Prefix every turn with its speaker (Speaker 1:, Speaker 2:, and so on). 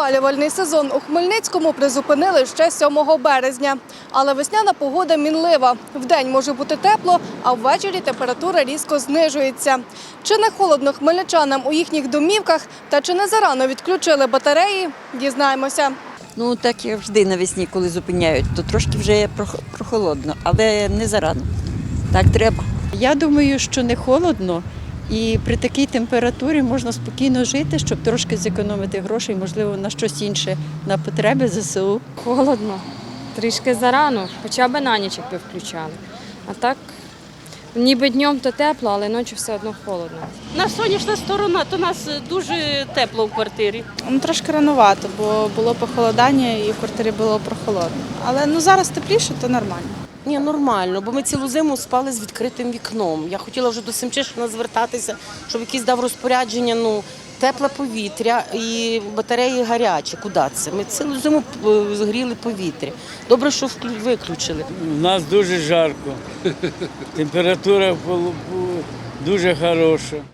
Speaker 1: Опалювальний сезон у Хмельницькому призупинили ще 7 березня. Але весняна погода мінлива. Вдень може бути тепло, а ввечері температура різко знижується. Чи не холодно хмельничанам у їхніх домівках та чи не зарано відключили батареї – дізнаємося.
Speaker 2: Ну, так як завжди навесні, коли зупиняють, то трошки вже прохолодно, але не зарано. Так треба.
Speaker 3: Я думаю, що не холодно і при такій температурі можна спокійно жити, щоб трошки зекономити грошей, можливо, на щось інше, на потреби ЗСУ.
Speaker 4: Холодно, трішки зарано, хоча б на ніч якби включали. А так, ніби днем то тепло, але ночі все одно холодно.
Speaker 5: На сонячна сторона, то у нас дуже тепло в квартирі.
Speaker 6: Трошки ранувато, бо було похолодання і в квартирі було прохолодно. Але зараз тепліше, то нормально.
Speaker 7: Ні, нормально, бо ми цілу зиму спали з відкритим вікном. Я хотіла вже до Семчишина звертатися, щоб якийсь дав розпорядження, тепле повітря і батареї гарячі. Куди це? Ми цілу зиму згріли повітря. Добре, що виключили.
Speaker 8: У нас дуже жарко. Температура дуже хороша.